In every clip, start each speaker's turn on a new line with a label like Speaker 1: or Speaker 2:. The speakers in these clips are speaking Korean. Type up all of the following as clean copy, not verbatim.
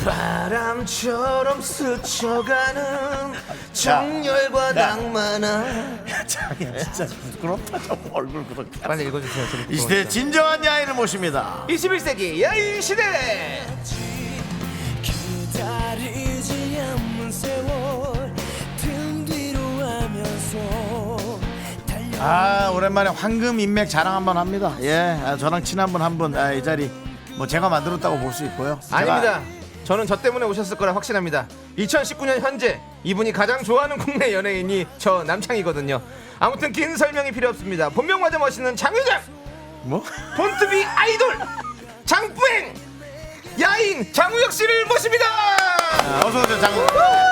Speaker 1: 바람처럼 스쳐가는 정열과 낭만아.
Speaker 2: 장이야 진짜 부끄럽다. 저 얼굴 그렇게.
Speaker 1: 빨리 읽어주세요.
Speaker 2: 이 시대의 진정한 야인을 모십니다.
Speaker 1: 21세기 야인 시대.
Speaker 3: 기다리지 않는 세월 등 뒤로 하면서
Speaker 2: 아 오랜만에 황금 인맥 자랑 한번 합니다. 예, 저랑 친한 분 한 분 이 자리 뭐 제가 만들었다고 볼 수 있고요.
Speaker 1: 아닙니다. 저는 저 때문에 오셨을 거라 확신합니다. 2019년 현재 이분이 가장 좋아하는 국내 연예인이 저 남창이거든요. 아무튼 긴 설명이 필요 없습니다. 본명마저 멋있는 장유장,
Speaker 2: 뭐?
Speaker 1: 본투비 아이돌 장뿌행 야인 장우혁 씨를 모십니다.
Speaker 2: 어서 오세요 장우.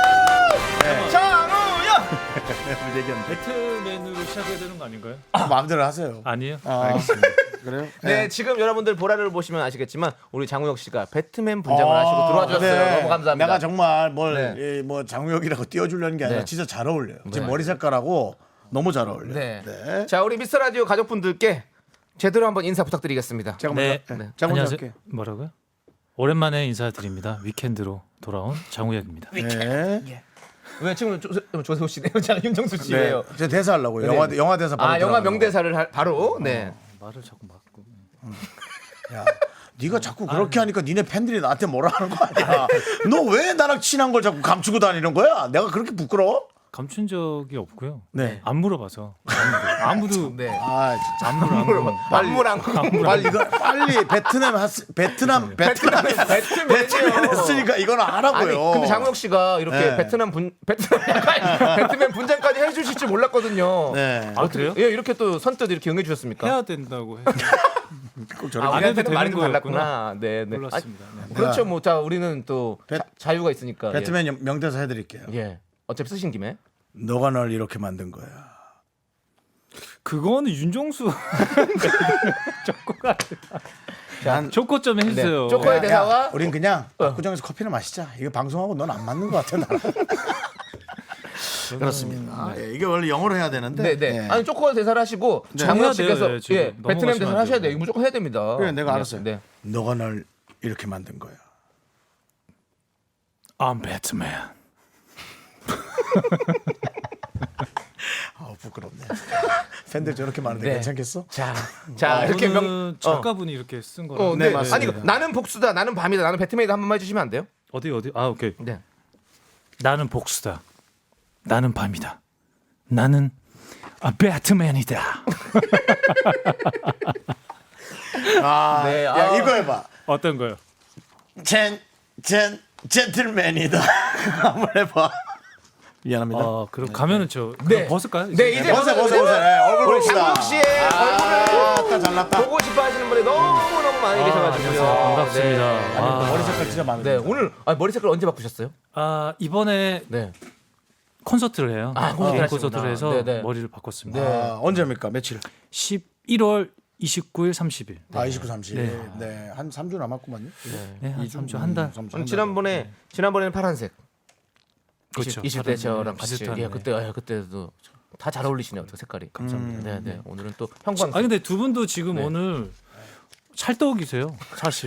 Speaker 1: 장우혁.
Speaker 4: 배트맨으로 시작해야 되는 거 아닌가요?
Speaker 2: 마음대로 하세요.
Speaker 4: 아니에요?
Speaker 2: 알겠습니다. 그래요?
Speaker 1: 네, 지금 여러분들 보라를 보시면 아시겠지만 우리 장우혁 씨가 배트맨 분장을 하시고 들어와 주셨어요. 너무 감사합니다.
Speaker 2: 내가 정말 뭘
Speaker 1: 네.
Speaker 2: 뭐 장우혁이라고 띄워주려는 게 아니라
Speaker 1: 네.
Speaker 2: 진짜 잘 어울려요.
Speaker 1: 네.
Speaker 2: 지금 머리 색깔하고 너무 잘 어울려요.
Speaker 1: 네.
Speaker 2: 네.
Speaker 1: 자, 우리 미스터 라디오 가족분들께 제대로 한번 인사 부탁드리겠습니다.
Speaker 2: 제가
Speaker 4: 네.
Speaker 2: 먼저 제가 먼저
Speaker 4: 안녕하세요.
Speaker 2: 할게요.
Speaker 4: 뭐라고요? 오랜만에 인사드립니다. 위켄드로 돌아온 장우혁입니다.
Speaker 2: 네.
Speaker 1: 왜 지금 조세호 씨네요? 자, 윤정수 씨예요.
Speaker 2: 네. 제 대사 하려고요.
Speaker 1: 네.
Speaker 2: 영화 대사 바로
Speaker 1: 아, 영화
Speaker 2: 들어가는
Speaker 1: 명대사를 바로. 네.
Speaker 4: 말을 자꾸 막고.
Speaker 2: 거. 야, 네가 자꾸 그렇게 하니까 니네 팬들이 나한테 뭐라 하는 거 아니야? 너 왜 나랑 친한 걸 자꾸 감추고 다니는 거야? 내가 그렇게 부끄러워?
Speaker 4: 감춘 적이 없고요.
Speaker 2: 네.
Speaker 4: 안 물어봐서 아무도
Speaker 1: 네.
Speaker 2: 아, 진짜.
Speaker 4: 안 물어.
Speaker 1: 안무랑
Speaker 2: 빨리 이거 빨리 베트남 했으니까 이건
Speaker 1: 아니,
Speaker 2: 하라고요.
Speaker 1: 근데 장우혁 씨가 이렇게
Speaker 2: 네.
Speaker 1: 배트맨 분장까지 해주실 줄 몰랐거든요.
Speaker 2: 네.
Speaker 4: 아 그래요?
Speaker 1: 예, 이렇게 또 선뜻 이렇게 응해 주셨습니까?
Speaker 4: 해야 된다고 해.
Speaker 2: 꼭
Speaker 1: 아,
Speaker 2: 저렇게
Speaker 4: 안 해도
Speaker 1: 우리한테는
Speaker 4: 되는
Speaker 1: 말이 좀
Speaker 4: 거였구나.
Speaker 1: 달랐구나. 네, 네.
Speaker 4: 몰랐습니다. 네.
Speaker 1: 아니, 그렇죠. 뭐, 자, 우리는 또 자유가 있으니까.
Speaker 2: 배트맨 명대사 해드릴게요.
Speaker 1: 예. 예. 어차피 쓰신 김에.
Speaker 2: 너가 널 이렇게 만든 거야.
Speaker 4: 그거는 윤종수
Speaker 2: 난
Speaker 4: 조커 좀 해주세요.
Speaker 1: 네. 조커의 대사와
Speaker 2: 우린 그냥 구정에서 커피를 마시자. 이거 방송하고 넌 안 맞는 것 같아 나랑. 그렇습니다. 예, 이게 원래 영어로 해야 되는데.
Speaker 1: 네, 네.
Speaker 2: 예.
Speaker 1: 아니 조커 대사를 하시고
Speaker 4: 해야
Speaker 1: 장우혁
Speaker 4: 돼요.
Speaker 1: 씨께서
Speaker 4: 예, 지금
Speaker 1: 예,
Speaker 4: 넘어가시면
Speaker 1: 배트맨 대사를
Speaker 4: 안
Speaker 1: 하셔야
Speaker 4: 돼요.
Speaker 1: 돼요. 이거 무조건 해야 됩니다.
Speaker 2: 그래 내가
Speaker 1: 네,
Speaker 2: 알았어요.
Speaker 1: 네.
Speaker 2: 너가 널 이렇게 만든 거야.
Speaker 4: I'm Batman.
Speaker 2: 부끄럽네. 팬들 저렇게 많은데
Speaker 1: 네.
Speaker 2: 괜찮겠어?
Speaker 1: 자, 이렇게
Speaker 4: 이거는 작가분이 이렇게 쓴 거라.
Speaker 1: 네,
Speaker 2: 맞습니다.
Speaker 1: 아니 나는 복수다, 나는 밤이다, 나는 배트맨이다 한 번만 해주시면 안 돼요?
Speaker 4: 어디? 아 오케이.
Speaker 1: 네.
Speaker 4: 나는 복수다. 나는 밤이다. 나는 배트맨이다.
Speaker 1: 네,
Speaker 2: 야 이거 해봐.
Speaker 4: 어떤 거요?
Speaker 2: 젠틀맨이다. 한번 해봐. 미안합니다.
Speaker 4: 그럼 가면은 저
Speaker 1: 네.
Speaker 4: 벗을까요?
Speaker 1: 네, 이제
Speaker 2: 벗어. 얼굴
Speaker 1: 우리
Speaker 2: 봅시다.
Speaker 1: 장우혁 씨의 얼굴을
Speaker 2: 잘났다.
Speaker 1: 보고 싶어하시는 분이 너무 많이 계셔가지고요.
Speaker 4: 안녕하세요. 반갑습니다.
Speaker 1: 네.
Speaker 4: 아,
Speaker 2: 머리 색깔 진짜 많은데.
Speaker 1: 네, 오늘 머리 색깔 언제 바꾸셨어요?
Speaker 4: 이번에
Speaker 1: 네.
Speaker 4: 콘서트를 해요.
Speaker 1: 콘서트
Speaker 4: 개인
Speaker 1: 하시구나.
Speaker 4: 콘서트를 해서
Speaker 1: 네네.
Speaker 4: 머리를 바꿨습니다.
Speaker 1: 네.
Speaker 2: 언제입니까? 며칠?
Speaker 4: 11월 29일, 30일.
Speaker 2: 29, 30. 네. 한 3주 남았구만요.
Speaker 4: 네, 한 3주 한 달.
Speaker 1: 지난번에는 파란색.
Speaker 4: 그렇죠.
Speaker 1: 20대 저랑 같이
Speaker 4: 비슷한,
Speaker 1: 예, 그때도 다 잘 어울리시네요. 어떻게 색깔이. 감사합니다. 네, 네. 오늘은 또 형광.
Speaker 4: 근데 두 분도 지금
Speaker 1: 네.
Speaker 4: 오늘 찰떡이세요. 사실.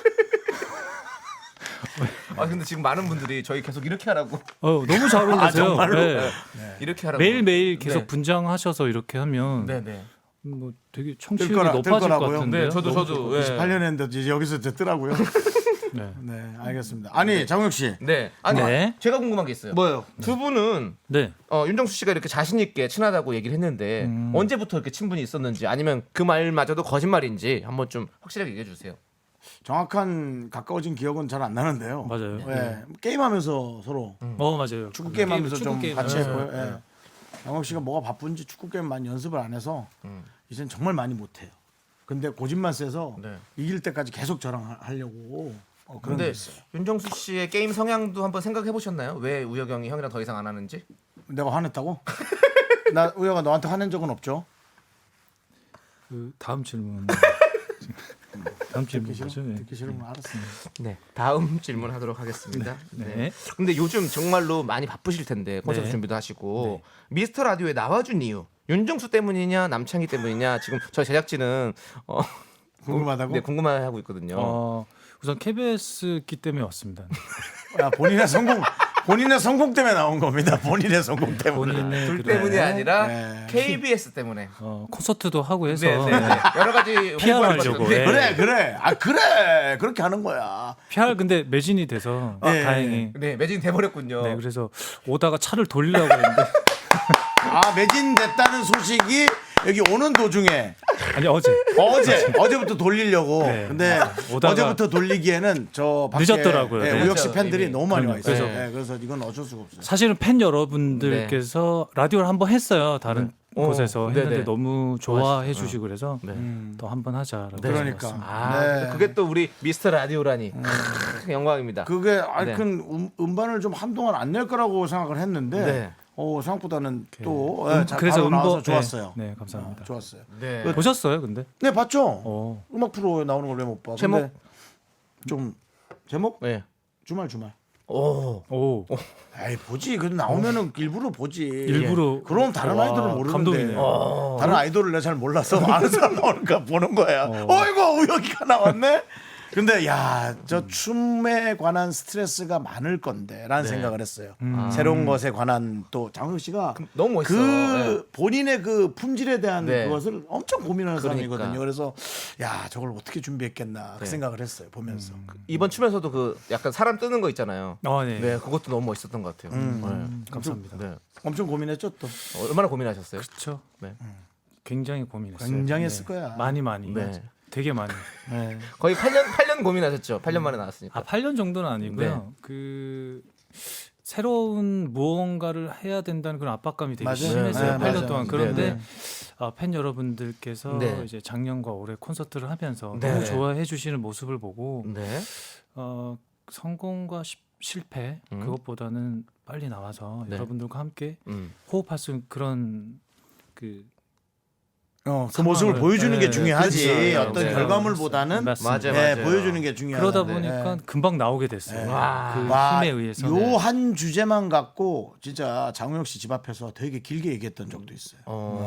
Speaker 1: 근데 지금 많은 분들이 저희 계속 이렇게 하라고.
Speaker 4: 너무 잘 어울리세요.
Speaker 2: 정말로?
Speaker 4: 네.
Speaker 1: 이렇게 하라고.
Speaker 4: 매일매일 계속
Speaker 1: 네.
Speaker 4: 분장하셔서 이렇게 하면
Speaker 1: 네, 네.
Speaker 4: 뭐 되게 청취율이
Speaker 2: 뜰
Speaker 4: 높아질 것
Speaker 2: 거라고요?
Speaker 4: 같은데.
Speaker 1: 네, 저도 예.
Speaker 2: 28년 했는데 이제 여기서 듣더라고요.
Speaker 4: 네.
Speaker 2: 네, 알겠습니다. 아니, 장욱 씨.
Speaker 1: 네. 아니,
Speaker 4: 네.
Speaker 1: 제가 궁금한 게 있어요.
Speaker 2: 뭐요?
Speaker 1: 두 분은
Speaker 4: 네.
Speaker 1: 윤정수 씨가 이렇게 자신 있게 친하다고 얘기를 했는데 언제부터 이렇게 친분이 있었는지 아니면 그 말마저도 거짓말인지 한번 좀 확실하게 얘기해 주세요.
Speaker 2: 정확한 가까워진 기억은 잘 안 나는데요.
Speaker 4: 맞아요.
Speaker 2: 네. 게임하면서 서로
Speaker 4: 맞아요.
Speaker 2: 축구 게임하면서
Speaker 4: 축구
Speaker 2: 좀
Speaker 4: 게임.
Speaker 2: 같이
Speaker 4: 네.
Speaker 2: 했고요. 예. 장욱 씨가 뭐가 바쁜지 축구 게임 많이 연습을 안 해서 이젠 정말 많이 못 해요. 근데 고집만 세서
Speaker 1: 네.
Speaker 2: 이길 때까지 계속 저랑 하려고 그런 게
Speaker 1: 근데
Speaker 2: 있어요.
Speaker 1: 윤정수 씨의 게임 성향도 한번 생각해 보셨나요? 왜 우혁이 형이 형이랑 더 이상 안 하는지?
Speaker 2: 내가 화냈다고? 나 우혁아 너한테 화낸 적은 없죠?
Speaker 4: 그 다음 질문. 다음 질문 뭐죠? 네.
Speaker 2: 듣기 싫으면 알았습니다.
Speaker 1: 네. 다음 질문 하도록 하겠습니다. 네.
Speaker 4: 네.
Speaker 1: 근데 요즘 정말로 많이 바쁘실 텐데 콘서트
Speaker 4: 네.
Speaker 1: 준비도 하시고 미스터 라디오에 나와준 이유 윤정수 때문이냐 남창희 때문이냐 지금 저 제작진은
Speaker 2: 궁금하다고?
Speaker 1: 네, 궁금해하고 있거든요.
Speaker 4: 우선 KBS기 때문에 왔습니다.
Speaker 2: 야, 본인의 성공 때문에 나온 겁니다. 본인의 성공 때문에.
Speaker 4: 본인의
Speaker 1: 둘
Speaker 4: 그런,
Speaker 1: 때문이 아니라
Speaker 2: 네.
Speaker 1: KBS 때문에.
Speaker 4: 콘서트도 하고 해서
Speaker 1: 네, 네, 네. 여러 가지
Speaker 4: PR
Speaker 1: 홍보를
Speaker 4: 하려고,
Speaker 1: 받았는데.
Speaker 4: 네.
Speaker 2: 그래 그렇게 하는 거야.
Speaker 4: PR 근데 매진이 돼서
Speaker 2: 예.
Speaker 4: 다행히
Speaker 1: 네, 매진 돼버렸군요.
Speaker 4: 네, 그래서 오다가 차를 돌리려고 했는데
Speaker 2: 아 매진됐다는 소식이 여기 오는 도중에
Speaker 4: 아니
Speaker 2: 어제부터 돌리려고.
Speaker 4: 네.
Speaker 2: 근데
Speaker 4: 오다가
Speaker 2: 어제부터 돌리기에는 저 밖에
Speaker 4: 늦었더라고요.
Speaker 2: 예,
Speaker 4: 네.
Speaker 2: 우혁 씨
Speaker 1: 그렇죠,
Speaker 2: 팬들이
Speaker 1: 이미.
Speaker 2: 너무 많이 와 있어요.
Speaker 4: 그래서-
Speaker 2: 예, 그래서 이건 어쩔 수가 없어요.
Speaker 4: 사실은 팬 여러분들께서 라디오를 한번 했어요. 다른 곳에서 했는데
Speaker 1: 네네.
Speaker 4: 너무 좋아해 주시고 그래서
Speaker 1: 네.
Speaker 4: 또 한 번 하자라고
Speaker 2: 그러니까.
Speaker 4: 했습니다.
Speaker 1: 아,
Speaker 2: 네.
Speaker 1: 그게 또 우리 미스터 라디오라니. 영광입니다.
Speaker 2: 그게
Speaker 1: 네.
Speaker 2: 음반을 좀 한동안 안 낼 거라고 생각을 했는데
Speaker 1: 네.
Speaker 2: 생각보다는 또
Speaker 4: 그래서
Speaker 2: 바로 나와서
Speaker 4: 음반
Speaker 2: 좋았어요.
Speaker 4: 네, 감사합니다.
Speaker 2: 좋았어요.
Speaker 1: 네.
Speaker 4: 보셨어요, 근데?
Speaker 2: 네 봤죠.
Speaker 4: 어.
Speaker 2: 음악 프로에 나오는 걸 왜 못 봐?
Speaker 1: 제목?
Speaker 2: 근데 좀 제목
Speaker 1: 네.
Speaker 2: 주말.
Speaker 1: 오.
Speaker 4: 오.
Speaker 2: 에이 보지. 그 나오면은 일부러 보지.
Speaker 4: 일부러.
Speaker 2: 그럼 다른
Speaker 4: 와,
Speaker 2: 아이돌은 모르는데.
Speaker 4: 감동이네요.
Speaker 2: 다른 아이돌을 내가 잘 몰라서 아는 사람 나오니까 보는 거야. 어이구 우혁이가 나왔네. 근데 야, 저 춤에 관한 스트레스가 많을 건데라는 생각을 했어요. 새로운 것에 관한 또 장혁 씨가
Speaker 1: 너무 멋있어.
Speaker 2: 그 본인의 그 품질에 대한
Speaker 1: 네.
Speaker 2: 그것을 엄청 고민하는
Speaker 1: 그러니까.
Speaker 2: 사람이거든요. 그래서 야, 저걸 어떻게 준비했겠나 그 생각을 했어요. 보면서.
Speaker 1: 이번 춤에서도 그 약간 사람 뜨는 거 있잖아요.
Speaker 4: 네.
Speaker 1: 네, 그것도 너무 멋있었던 것 같아요.
Speaker 4: 감사합니다.
Speaker 1: 네.
Speaker 2: 엄청 고민했죠 또.
Speaker 1: 얼마나 고민하셨어요?
Speaker 4: 그렇죠.
Speaker 1: 네.
Speaker 4: 굉장히 고민했어요.
Speaker 2: 굉장히 했을
Speaker 4: 네.
Speaker 2: 거야.
Speaker 4: 많이.
Speaker 1: 네.
Speaker 4: 되게 많이.
Speaker 1: 거의 8년 고민하셨죠. 8년 만에 나왔으니까.
Speaker 4: 8년 정도는 아니고요.
Speaker 1: 네.
Speaker 4: 그 새로운 무언가를 해야 된다는 그런 압박감이 되게
Speaker 2: 맞아요.
Speaker 4: 심했어요.
Speaker 2: 네,
Speaker 4: 8년
Speaker 2: 맞아요.
Speaker 4: 동안.
Speaker 1: 네,
Speaker 4: 그런데
Speaker 1: 네.
Speaker 4: 팬 여러분들께서
Speaker 1: 네.
Speaker 4: 이제 작년과 올해 콘서트를 하면서
Speaker 1: 네.
Speaker 4: 너무 좋아해 주시는 모습을 보고
Speaker 1: 네.
Speaker 4: 성공과 실패 그것보다는 빨리 나와서
Speaker 1: 네.
Speaker 4: 여러분들과 함께
Speaker 1: 음.
Speaker 4: 호흡할 수 있는 그런 그
Speaker 2: 그 모습을
Speaker 4: 상황을-
Speaker 2: 보여주는 게
Speaker 4: 네,
Speaker 2: 중요하지.
Speaker 1: 그렇죠.
Speaker 2: 어떤
Speaker 1: 네.
Speaker 2: 결과물보다는
Speaker 4: 맞습니다.
Speaker 1: 맞아요.
Speaker 2: 네, 보여주는 게 중요하다.
Speaker 4: 그러다 보니까 금방 나오게 됐어요.
Speaker 1: 와.
Speaker 4: 그
Speaker 2: 와,
Speaker 4: 힘에 의해서.
Speaker 2: 요 한 주제만 갖고 진짜 장우혁 씨 집 앞에서 되게 길게 얘기했던 적도 있어요.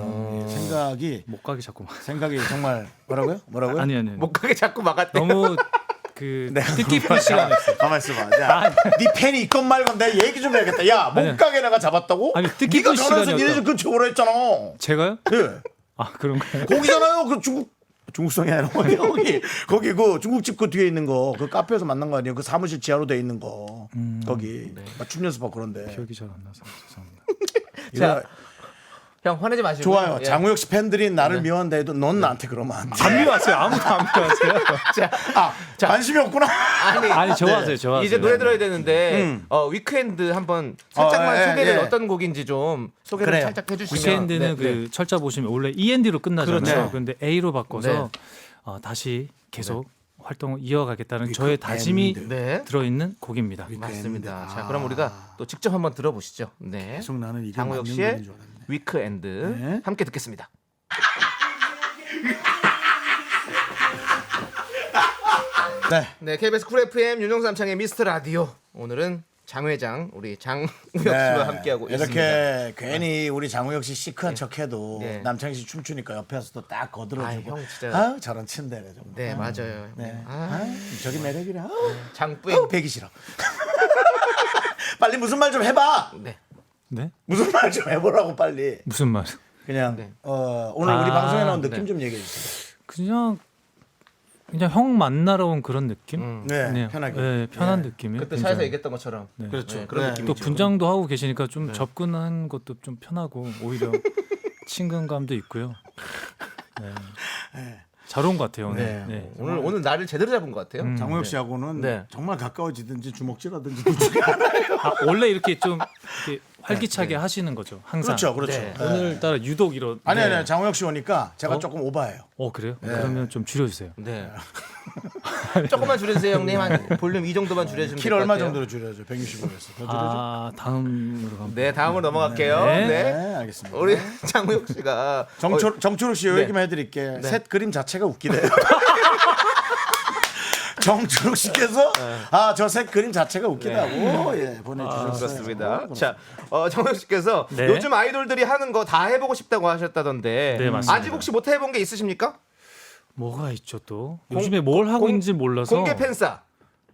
Speaker 4: 못 가게 자꾸만.
Speaker 2: 생각이 정말 뭐라고요?
Speaker 4: 아니.
Speaker 1: 못 가게 자꾸 막았대.
Speaker 4: 너무 그
Speaker 2: 네.
Speaker 4: 뜻깊은 시간이었어요.
Speaker 2: 가만 있어봐. 야, 네 팬이 있건 말건 내가 얘기 좀 해야겠다. 야, 못
Speaker 4: 아니요.
Speaker 2: 가게 내가 잡았다고?
Speaker 4: 아니, 뜻깊은
Speaker 2: 네가 전화해서
Speaker 4: 시간이었다.
Speaker 2: 니네 집 근처 오라 했잖아.
Speaker 4: 제가요?
Speaker 2: 예.
Speaker 4: 아 그런가요?
Speaker 2: 거기잖아요. 그 중국성이 아니라 거기 그 중국집 그 뒤에 있는 거 그 카페에서 만난 거 아니에요? 그 사무실 지하로 돼 있는 거 거기 막 춤 연습하고 그런데.
Speaker 4: 기억이 잘 안 나서 죄송합니다.
Speaker 1: 자, 형 화내지 마시고.
Speaker 2: 좋아요.
Speaker 1: 예.
Speaker 2: 장우혁 씨 팬들이 나를 미워한다 해도 넌 나한테 그러면 안 돼.
Speaker 4: 안 미워하세요. 아무도 안 미워하세요.
Speaker 2: 관심이 없구나.
Speaker 4: 아니 좋아하세요. 좋아하세요.
Speaker 1: 이제 노래 들어야 되는데 위크엔드 한번 살짝만
Speaker 2: 예,
Speaker 1: 소개를
Speaker 2: 예.
Speaker 1: 어떤 곡인지 좀 소개를
Speaker 2: 그래요.
Speaker 1: 살짝 해주시면.
Speaker 4: 위켄드는 그 철자 보시면 원래 END로 끝나잖아요.
Speaker 1: 그렇죠.
Speaker 4: 그런데 A로 바꿔서
Speaker 1: 네.
Speaker 4: 다시 계속 활동을 이어가겠다는 저의 다짐이
Speaker 1: 네.
Speaker 4: 들어있는 곡입니다.
Speaker 1: 맞습니다. 자, 그럼 우리가 또 직접 한번 들어보시죠. 네.
Speaker 2: 계속 나는 이게
Speaker 1: 장우혁
Speaker 2: 맞는
Speaker 1: 씨의
Speaker 2: 노래인 줄 알았네.
Speaker 1: 위크엔드
Speaker 2: 네.
Speaker 1: 함께 듣겠습니다.
Speaker 2: 네.
Speaker 1: 네, KBS 쿨 FM 윤정수 남창의 미스터 라디오. 오늘은 장 회장 우리 장우혁 씨와 함께하고
Speaker 2: 이렇게
Speaker 1: 있습니다.
Speaker 2: 괜히 우리 장우혁 씨 시크한 척해도
Speaker 1: 네.
Speaker 2: 남창희 씨 춤추니까 옆에서도 딱 거들어주고
Speaker 1: 아, 형 진짜-
Speaker 2: 저런 친데네 정말.
Speaker 1: 네, 맞아요.
Speaker 2: 네.
Speaker 1: 아,
Speaker 2: 저기 매력이래.
Speaker 1: 장뿌.
Speaker 2: 배기 싫어. 빨리 무슨 말 좀 해봐.
Speaker 1: 네.
Speaker 4: 네?
Speaker 2: 무슨 말 좀 해보라고 빨리.
Speaker 4: 무슨 말?
Speaker 2: 그냥
Speaker 1: 네.
Speaker 2: 오늘 우리
Speaker 4: 아,
Speaker 2: 방송에 나온 느낌
Speaker 1: 네.
Speaker 2: 좀 얘기해 주세요.
Speaker 4: 그냥 형 만나러 온 그런 느낌?
Speaker 2: 네, 편하게.
Speaker 4: 네, 편한
Speaker 2: 네.
Speaker 4: 느낌이에요.
Speaker 1: 그때
Speaker 4: 굉장히.
Speaker 1: 차에서 얘기했던 것처럼.
Speaker 4: 네.
Speaker 2: 그렇죠.
Speaker 1: 네, 그런
Speaker 2: 네.
Speaker 1: 느낌이죠.
Speaker 4: 또 분장도 하고 계시니까 좀 접근한 것도 좀 편하고 오히려 친근감도 있고요. 네. 잘 온 것 같아요 오늘.
Speaker 1: 네.
Speaker 4: 네.
Speaker 1: 오늘 날을 제대로 잡은 것 같아요.
Speaker 2: 장우혁 씨하고는
Speaker 1: 네.
Speaker 2: 정말 가까워지든지 주먹질하든지 둘 중에 하나예요.
Speaker 4: 원래 이렇게 좀 이렇게 활기차게 하시는 거죠. 항상.
Speaker 2: 그렇죠, 그렇죠.
Speaker 1: 네.
Speaker 2: 네.
Speaker 4: 오늘따라 유독 이런.
Speaker 2: 아니 장우혁 씨 오니까 제가 조금 오바해요.
Speaker 4: 그래요? 그러면 좀 줄여주세요.
Speaker 1: 네. 조금만 줄여주세요, 형님. 한 볼륨 이 정도만 줄여주면
Speaker 2: 킬
Speaker 1: 될것
Speaker 2: 얼마
Speaker 1: 같아요.
Speaker 2: 정도로 줄여줘? 165에서 더 줄여줘?
Speaker 4: 다음으로 가면.
Speaker 1: 네, 다음으로 넘어갈게요.
Speaker 4: 네.
Speaker 1: 네.
Speaker 2: 네, 알겠습니다.
Speaker 1: 우리 장우혁 씨가
Speaker 2: 정초록 씨 요
Speaker 1: 네.
Speaker 2: 얘기만 해드릴게. 셋 그림 자체가 웃기대요. 정초록 씨께서 저 셋 그림 자체가 웃기다고 보내주셨어요.
Speaker 1: 그렇습니다. 자, 장우혁 씨께서
Speaker 4: 네.
Speaker 1: 요즘 아이돌들이 하는 거 다 해보고 싶다고 하셨다던데
Speaker 4: 네, 맞습니다.
Speaker 1: 아직 혹시 못 해본 게 있으십니까?
Speaker 4: 뭐가 있죠 또? 요즘에 뭘 하고
Speaker 1: 공-
Speaker 4: 있는지 몰라서.
Speaker 1: 공개 팬싸.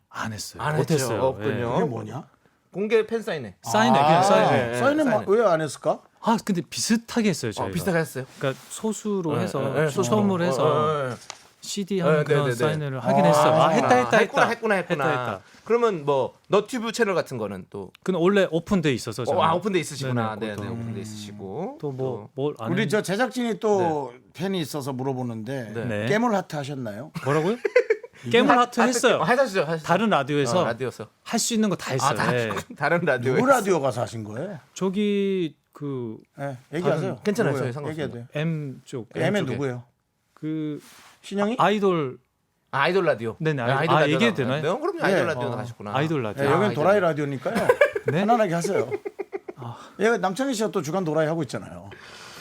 Speaker 4: 안 했어요.
Speaker 1: 안
Speaker 4: 못
Speaker 1: 했죠.
Speaker 4: 했어요.
Speaker 1: 없군요.
Speaker 2: 이게 뭐냐?
Speaker 1: 공개 팬 사인회.
Speaker 4: 사인회 그냥 사인회.
Speaker 1: 네,
Speaker 2: 사인회
Speaker 1: 사인회.
Speaker 2: 왜 안 했을까?
Speaker 4: 아 근데 비슷하게 했어요 저희가.
Speaker 1: 비슷하게 했어요.
Speaker 4: 그러니까 소수로
Speaker 1: 네,
Speaker 4: 해서
Speaker 1: 네, 소수로.
Speaker 4: 추첨을 해서 CD 하는
Speaker 1: 네,
Speaker 4: 그런
Speaker 1: 네, 네.
Speaker 4: 사인회를 하긴 했어요. 아 했다.
Speaker 1: 했구나. 그러면 뭐 너튜브 채널 같은 거는 또
Speaker 4: 그는 원래 오픈돼 있어서 저는.
Speaker 1: 오픈돼 있으시구나.
Speaker 4: 네네,
Speaker 1: 네,
Speaker 4: 그것도.
Speaker 1: 오픈돼 있으시고
Speaker 4: 또 뭐 뭘 안
Speaker 2: 우리
Speaker 4: 했...
Speaker 2: 저 제작진이 또 팬이 있어서 물어보는데
Speaker 1: 네.
Speaker 2: 깨물 하트 하셨나요?
Speaker 4: 뭐라고요? 깨물 하트 했어요.
Speaker 1: 하시죠.
Speaker 4: 다른 라디오에서
Speaker 1: 라디오에서
Speaker 4: 할 수 있는 거 다 했어요. 네.
Speaker 1: 다른 라디오.
Speaker 2: 누구 라디오 가서 하신 거예요?
Speaker 4: 저기 그
Speaker 2: 네, 얘기하세요.
Speaker 1: 괜찮아요.
Speaker 2: 누구예요?
Speaker 1: 저희 상관없어요.
Speaker 2: 얘기해도 돼요.
Speaker 4: M 쪽
Speaker 2: M은
Speaker 1: 쪽에.
Speaker 2: 누구예요?
Speaker 4: 그
Speaker 2: 신영이?
Speaker 4: 아이돌
Speaker 1: 아이돌 라디오.
Speaker 4: 네네,
Speaker 1: 아이돌 라디오
Speaker 4: 얘기해도
Speaker 1: 나가나요?
Speaker 4: 되나요?
Speaker 1: 네, 그럼요. 아이돌
Speaker 2: 예.
Speaker 1: 라디오 나가셨구나.
Speaker 4: 아이돌 라디오.
Speaker 2: 네, 여기는
Speaker 1: 아이돌.
Speaker 2: 도라이 라디오니까요.
Speaker 4: 네?
Speaker 2: 편안하게 하세요. 얘가 남창희 씨가 또 주간 도라이 하고 있잖아요.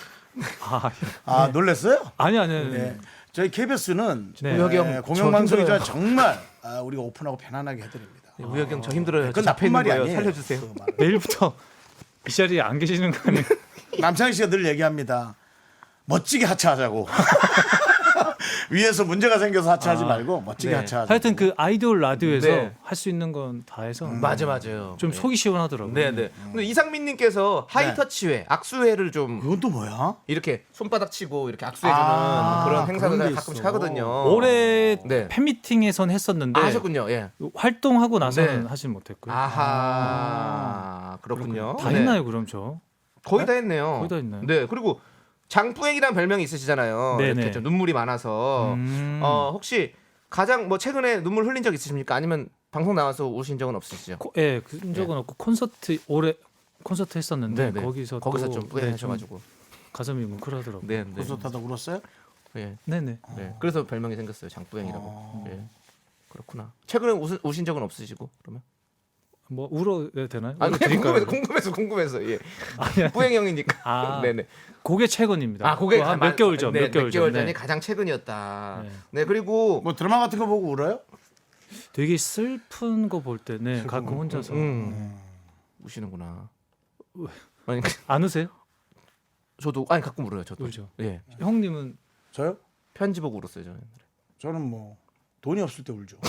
Speaker 2: 아 놀랬어요?
Speaker 4: 아니.
Speaker 2: 네. 저희 KBS는
Speaker 4: 네.
Speaker 1: 우혁이 형,
Speaker 2: 공영방송이지만
Speaker 1: 저
Speaker 2: 정말 우리가 오픈하고 편안하게 해드립니다.
Speaker 1: 우혁이 형 저 힘들어요.
Speaker 2: 그건
Speaker 1: 잡혀
Speaker 2: 나쁜
Speaker 1: 있는
Speaker 2: 말이
Speaker 1: 거예요.
Speaker 2: 아니에요.
Speaker 1: 살려주세요.
Speaker 2: 그 말은.
Speaker 4: 내일부터 이 자리에 안 계시는 거 아니에요?
Speaker 2: 남창희 씨가 늘 얘기합니다. 멋지게 하차하자고. 위에서 문제가 생겨서 하차하지 말고 멋지게
Speaker 1: 네.
Speaker 2: 하차하자.
Speaker 4: 하여튼 그 아이돌 라디오에서
Speaker 1: 네.
Speaker 4: 할 수 있는 건 다 해서
Speaker 1: 맞아요.
Speaker 4: 좀 속이 시원하더라고요.
Speaker 1: 네네. 근데 이상민님께서 하이터치회, 악수회를 좀
Speaker 2: 그건 또 뭐야?
Speaker 1: 이렇게 손바닥 치고 이렇게 악수해주는 그런 행사를
Speaker 2: 그런 게
Speaker 1: 가끔씩
Speaker 2: 있어.
Speaker 1: 하거든요.
Speaker 4: 올해
Speaker 1: 네.
Speaker 4: 팬미팅에선 했었는데
Speaker 1: 하셨군요. 예.
Speaker 4: 활동하고 나서는
Speaker 1: 네.
Speaker 4: 하진 못했고요.
Speaker 1: 아하 그렇군요.
Speaker 4: 다
Speaker 1: 네.
Speaker 4: 했나요 그럼 저?
Speaker 1: 거의 다 했네요.
Speaker 4: 거의 다 했나요?
Speaker 1: 네. 그리고 장뿌행이라는 별명이 있으시잖아요.
Speaker 4: 네네.
Speaker 1: 이렇게 좀 눈물이 많아서 혹시 가장 뭐 최근에 눈물 흘린 적 있으십니까? 아니면 방송 나와서 우신 적은 없으시죠?
Speaker 4: 예, 그런 적은 없고 콘서트 올해 콘서트 했었는데
Speaker 1: 네, 네.
Speaker 4: 거기서
Speaker 1: 좀 뿌행하셔가지고.
Speaker 4: 가슴이 뭉클하더라고요.
Speaker 1: 네, 네.
Speaker 2: 콘서트하다 울었어요?
Speaker 1: 예.
Speaker 4: 네네.
Speaker 1: 네. 그래서 별명이 생겼어요. 장뿌행이라고. 예. 그렇구나. 최근에 우신 적은 없으시고 그러면?
Speaker 4: 뭐 울어야 되나요?
Speaker 1: 아 그냥
Speaker 4: 드릴까요?
Speaker 1: 궁금해서 예.
Speaker 4: 아니,
Speaker 1: 뿌행 형이니까.
Speaker 4: 아,
Speaker 1: 네네.
Speaker 4: 그게 최근입니다.
Speaker 1: 아 그게
Speaker 4: 몇 개월 전,
Speaker 1: 네,
Speaker 4: 몇 개월
Speaker 1: 전이
Speaker 4: 전에
Speaker 1: 가장 최근이었다.
Speaker 4: 네.
Speaker 1: 네 그리고
Speaker 2: 뭐 드라마 같은 거 보고 울어요?
Speaker 4: 되게 슬픈 거 볼 때, 네, 가끔 혼자서
Speaker 1: 우시는구나. 아니
Speaker 4: 안 우세요?
Speaker 1: 저도 아니 가끔 울어요. 저도.
Speaker 4: 울죠.
Speaker 1: 예.
Speaker 4: 형님은
Speaker 2: 저요?
Speaker 1: 편지 보고 울었어요 저는.
Speaker 2: 저는 뭐 돈이 없을 때 울죠.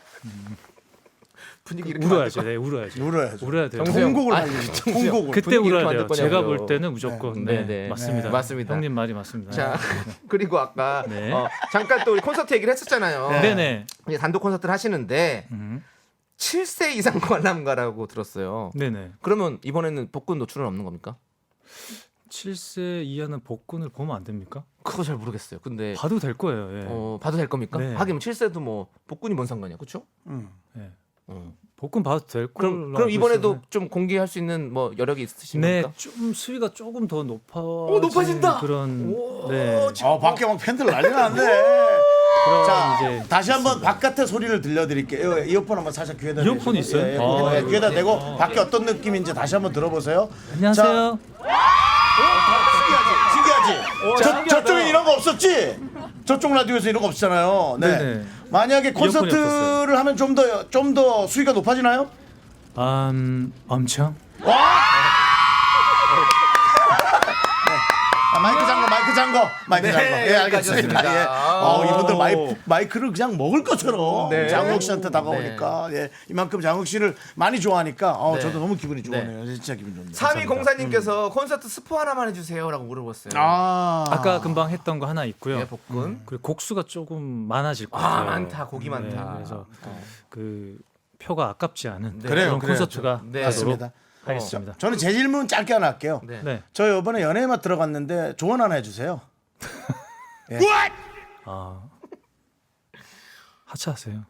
Speaker 1: 분위기 이렇게
Speaker 4: 울어야죠. 네, 울어야죠.
Speaker 2: 울어야죠.
Speaker 4: 울어야 돼요.
Speaker 1: 정수영.
Speaker 2: 통곡을
Speaker 1: 아니,
Speaker 2: 하려고.
Speaker 1: 정수영.
Speaker 2: 통곡을.
Speaker 4: 그때
Speaker 1: 분위기 이렇게
Speaker 4: 울어야 돼요.
Speaker 1: 만들
Speaker 4: 제가
Speaker 1: 거냐고요.
Speaker 4: 볼 때는 무조건
Speaker 1: 네,
Speaker 4: 네,
Speaker 1: 네.
Speaker 4: 맞습니다.
Speaker 1: 네, 맞습니다.
Speaker 4: 형님 말이 맞습니다.
Speaker 1: 자 그리고 아까
Speaker 4: 네.
Speaker 1: 잠깐 또 우리 콘서트 얘기를 했었잖아요.
Speaker 4: 네네.
Speaker 1: 이제 단독 콘서트를 하시는데 7세 이상 관람가라고 들었어요.
Speaker 4: 네네.
Speaker 1: 그러면 이번에는 복근 노출은 없는 겁니까?
Speaker 4: 7세 이하는 복근을 보면 안 됩니까?
Speaker 1: 그거 잘 모르겠어요. 근데
Speaker 4: 봐도 될 거예요. 예.
Speaker 1: 봐도 될 겁니까?
Speaker 4: 네.
Speaker 1: 하긴 7세도 뭐 복근이 뭔 상관이야, 그렇죠?
Speaker 4: 예. 복근 봐도 될 걸로
Speaker 1: 그럼
Speaker 4: 알고
Speaker 1: 이번에도
Speaker 4: 있어서.
Speaker 1: 좀 공개할 수 있는 뭐 여력이
Speaker 4: 네,
Speaker 1: 있으십니까?
Speaker 4: 좀 수위가 조금 더
Speaker 1: 높아진다!
Speaker 4: 그런 네.
Speaker 2: 밖에 막 팬들 난리 나는데.
Speaker 4: 그런
Speaker 2: 자,
Speaker 4: 이제
Speaker 2: 다시 한번 바깥의 소리를 들려드릴게요. 이어폰 한번 살짝 귀에다
Speaker 4: 이어폰
Speaker 2: 대시고.
Speaker 4: 있어요?
Speaker 2: 예,
Speaker 4: 아,
Speaker 2: 귀에다 대고 밖에 어떤 느낌인지 다시 한번 들어보세요.
Speaker 4: 안녕하세요.
Speaker 2: 신기하지? 저쪽에 이런 거 없었지? 저쪽 라디오에서 이런 거 없잖아요. 네.
Speaker 4: 네네.
Speaker 2: 만약에
Speaker 4: 이어폰이
Speaker 2: 콘서트를 하면 좀 더 수위가 높아지나요?
Speaker 4: 엄청.
Speaker 2: 마이크 잠궈.
Speaker 1: 네,
Speaker 2: 예, 알겠습니다.
Speaker 1: 여기까지였습니다.
Speaker 2: 예. 이분들 마이크를 그냥 먹을 것처럼
Speaker 1: 네.
Speaker 2: 장욱 씨한테 다가오니까 예, 이만큼 장욱 씨를 많이 좋아하니까
Speaker 1: 네.
Speaker 2: 저도 너무 기분이 좋네요. 진짜 기분 좋네요.
Speaker 1: 3204님께서 콘서트 스포 하나만 해주세요라고 물어봤어요.
Speaker 4: 아까 금방 했던 거 하나 있고요.
Speaker 1: 예, 복근.
Speaker 4: 그리고 곡수가 조금 많아질 것 같아요.
Speaker 1: 많다. 곡이 많다.
Speaker 4: 그래서 그 표가 아깝지 않은
Speaker 1: 네.
Speaker 2: 그래요,
Speaker 4: 그런 콘서트가
Speaker 1: 네.
Speaker 4: 되도록
Speaker 2: 맞습니다.
Speaker 4: 하겠습니다.
Speaker 2: 저는 제 질문 짧게 하나 할게요.
Speaker 1: 네.
Speaker 4: 네.
Speaker 2: 저 이번에 연예의 맛 들어갔는데 조언 하나 해주세요.
Speaker 4: 하차하세요.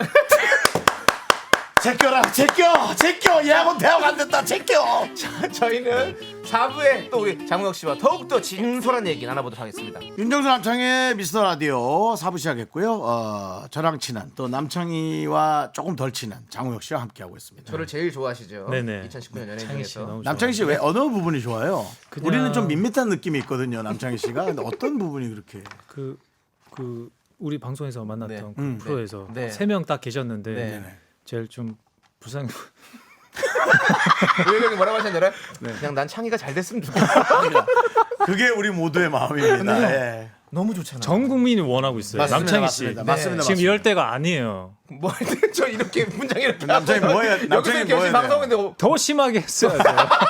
Speaker 2: 제껴라, 제껴. 얘하고는 대화가 안 됐다, 제껴.
Speaker 1: 저희는 4부에 또 우리 장우혁 씨와 더욱더 진솔한 얘기 나눠보도록 하겠습니다.
Speaker 2: 윤정수 남창의 미스터 라디오 4부 시작했고요. 저랑 친한 또 남창희와 조금 덜 친한 장우혁 씨와 함께하고 있습니다.
Speaker 1: 저를 제일 좋아하시죠?
Speaker 4: 네네.
Speaker 1: 2019년 연예인
Speaker 4: 창희 씨
Speaker 1: 중에서.
Speaker 4: 너무
Speaker 2: 남창희 씨 왜 어느 부분이 좋아요?
Speaker 4: 그냥-
Speaker 2: 우리는 좀 밋밋한 느낌이 있거든요, 남창희 씨가. 근데 어떤 부분이 그렇게?
Speaker 4: 그 우리 방송에서 만났던
Speaker 1: 네.
Speaker 4: 그 프로에서
Speaker 1: 네.
Speaker 4: 3명 딱 계셨는데
Speaker 1: 네.
Speaker 4: 제일 좀 불쌍해.
Speaker 1: 우혁이 형이 뭐라고 하셨는지 알아요? 그냥 난 창희가 잘 됐으면 좋겠어.
Speaker 2: 그게 우리 모두의 마음입니다. 예.
Speaker 1: 너무 좋잖아요.
Speaker 4: 전 국민이 원하고 있어요.
Speaker 2: 맞습니다,
Speaker 4: 남창희
Speaker 2: 맞습니다.
Speaker 4: 씨.
Speaker 2: 맞습니다,
Speaker 4: 지금
Speaker 2: 맞습니다.
Speaker 4: 이럴 때가 아니에요.
Speaker 1: 뭐, 저 이렇게 문장 이렇게
Speaker 2: 남창이
Speaker 1: 하고
Speaker 2: 뭐예요?
Speaker 1: 여기서
Speaker 2: 남창이
Speaker 1: 이렇게 열심히
Speaker 2: 뭐예요?
Speaker 1: 방송인데
Speaker 4: 더 심하게 했어야죠.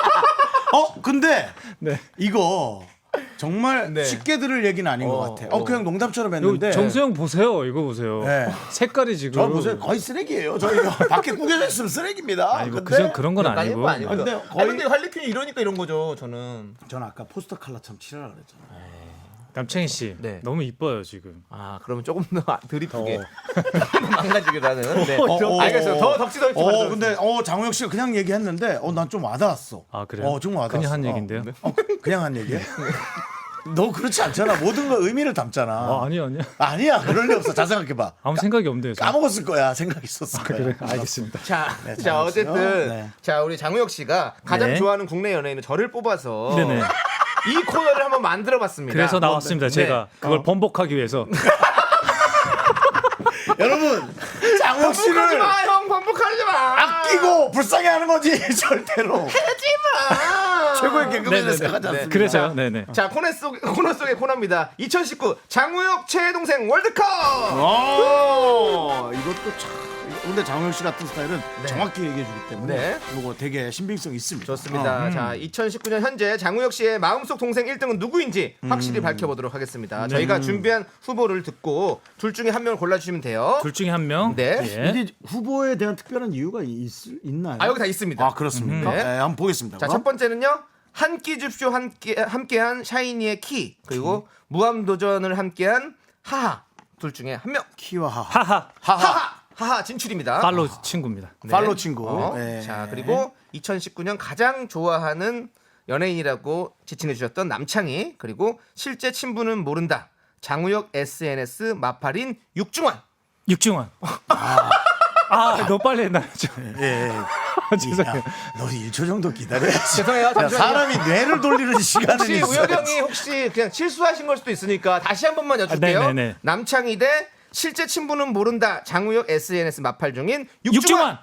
Speaker 2: 근데
Speaker 4: 네.
Speaker 2: 이거 정말
Speaker 1: 네.
Speaker 2: 쉽게 들을 얘기는 아닌 것 같아요. 그냥 농담처럼 했는데.
Speaker 4: 정수영 보세요. 이거 보세요.
Speaker 2: 네.
Speaker 4: 색깔이 지금.
Speaker 2: 저 보세요. 거의 쓰레기예요. 저 이거 밖에 구겨져 있으면 쓰레기입니다.
Speaker 4: 아니 뭐
Speaker 2: 근데
Speaker 4: 그런 건 아니고.
Speaker 1: 아니고.
Speaker 2: 근데
Speaker 1: 근데
Speaker 2: 거의-
Speaker 1: 근데 할리퀸이 이러니까 이런 거죠. 저는.
Speaker 2: 저는 아까 포스터 컬러처럼 칠하라 그랬잖아요.
Speaker 4: 남창희 씨
Speaker 1: 네.
Speaker 4: 너무 이뻐요 지금.
Speaker 1: 아 그러면 조금 더 드리프게 망가지기라는. 네.
Speaker 2: 어,
Speaker 1: 알겠어요. 더 덕지 덕지.
Speaker 2: 근데 장우혁 씨가 그냥 얘기했는데 난 좀 와닿았어.
Speaker 4: 아 그래요?
Speaker 2: 좀 와닿았어.
Speaker 4: 그냥 한 얘긴데요.
Speaker 2: 그냥 한 얘기야? 너 그렇지 않잖아. 모든 거 의미를 담잖아.
Speaker 4: 아니요.
Speaker 2: 아니야. 그럴 리 없어. 잘 생각해봐.
Speaker 4: 아무 생각이 없는데요. 저는.
Speaker 2: 까먹었을 거야. 생각 있었을 거야.
Speaker 4: 그래 알겠습니다.
Speaker 1: 자,
Speaker 2: 네,
Speaker 1: 자
Speaker 2: 장우혁 씨요?
Speaker 1: 어쨌든
Speaker 2: 네.
Speaker 1: 자 우리 장우혁 씨가 가장
Speaker 4: 네.
Speaker 1: 좋아하는 국내 연예인은 저를 뽑아서
Speaker 4: 네네.
Speaker 1: 이 코너를 한번 만들어봤습니다.
Speaker 4: 그래서 나왔습니다.
Speaker 1: 네.
Speaker 4: 제가 그걸 번복하기 위해서.
Speaker 2: 여러분, 장우혁
Speaker 1: 반복하지
Speaker 2: 씨를
Speaker 1: 마, 형 반복하지 마.
Speaker 2: 아끼고 불쌍해하는 거지 절대로.
Speaker 1: 하지 마.
Speaker 2: 최고의 개그맨을
Speaker 4: 네네네.
Speaker 2: 생각하지 않습니다.
Speaker 4: 그래서요. 네네.
Speaker 1: 자 코너 속의 코너입니다. 2019 장우혁 최애 동생 월드컵.
Speaker 2: 이것도 참. 근데 장우혁 씨 같은 스타일은 정확히 얘기해 주기 때문에
Speaker 1: 네.
Speaker 2: 이거 되게 신빙성 있습니다.
Speaker 1: 좋습니다. 자 2019년 현재 장우혁 씨의 마음속 동생 1등은 누구인지 확실히 밝혀보도록 하겠습니다. 저희가 준비한 후보를 듣고 둘 중에 한 명을 골라주시면 돼요.
Speaker 4: 둘 중에 한 명.
Speaker 1: 네.
Speaker 4: 예.
Speaker 2: 이게 후보에 대한 특별한 이유가 있나요?
Speaker 1: 아 여기 다 있습니다.
Speaker 2: 아, 그렇습니까?
Speaker 1: 네.
Speaker 2: 네, 한번 보겠습니다.
Speaker 1: 자,
Speaker 2: 그럼.
Speaker 1: 첫 번째는요. 한 끼 줍쇼 함께한 샤이니의 키 그리고 무함도전을 함께한 하하 둘 중에 한 명.
Speaker 2: 키와 하하.
Speaker 4: 하하.
Speaker 1: 하하 진출입니다.
Speaker 4: 팔로우 친구입니다.
Speaker 1: 네.
Speaker 2: 팔로 친구. 네.
Speaker 1: 자 그리고 2019년 가장 좋아하는 연예인이라고 지칭해 주셨던 남창희 그리고 실제 친분은 모른다 장우혁 SNS 마팔인 육중환.
Speaker 4: 육중환. 너무 빨리 했나 죠.
Speaker 2: 예.
Speaker 4: 죄송해요.
Speaker 2: 너 1초 정도 기다려야지.
Speaker 1: 죄송해요.
Speaker 2: 야,
Speaker 1: 잠시만요.
Speaker 2: 사람이 뇌를 돌리는 시간은
Speaker 1: 혹시
Speaker 2: 있어요.
Speaker 1: 우혁 형이 혹시 그냥 실수하신 걸 수도 있으니까 다시 한 번만 여쭐게요.
Speaker 4: 네네네.
Speaker 1: 남창희 대 실제 친분은 모른다 장우혁 SNS 마팔 중인
Speaker 4: 육중환.